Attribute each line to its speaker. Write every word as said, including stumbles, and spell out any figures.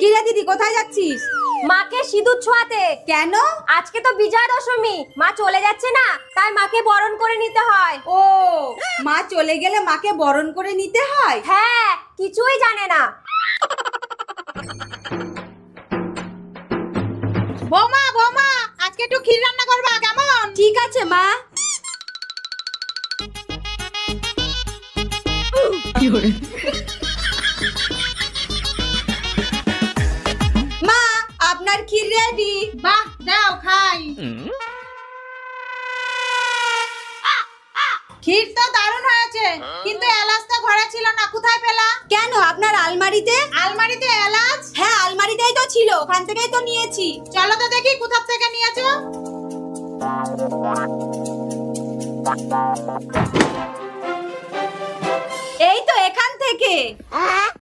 Speaker 1: কি রে দিদি, কোথায় যাচ্ছিস?
Speaker 2: মাকে সিঁদুর ছোঁয়াতে।
Speaker 1: কেন?
Speaker 2: আজকে তো বিজয়া দশমী, মা চলে যাচ্ছে না, তাই মাকে বরণ করে নিতে হয়।
Speaker 1: ও, মা চলে গেলে মাকে বরণ করে নিতে হয়?
Speaker 2: হ্যাঁ, কিছুই জানে না।
Speaker 3: বৌমা বৌমা, আজকে একটু ক্ষীর রান্না করবা কেমন?
Speaker 1: ঠিক আছে মা। মা, আপনার ক্ষীর রেডি।
Speaker 3: বাহ, দাও খাই। ক্ষীর তো দারুণ হয়েছে, কিন্তু এলাচ তো ঘরে ছিল না, কোথায় পেলা?
Speaker 1: কেন, আপনার আলমারিতে?
Speaker 3: আলমারিতে এলাচ?
Speaker 1: হ্যাঁ, আলমারিতেই তো ছিল, ওখান থেকেই তো নিয়েছি।
Speaker 3: চলো তো দেখি কোথা থেকে নিয়েছো।
Speaker 1: এই তো এখান থেকে।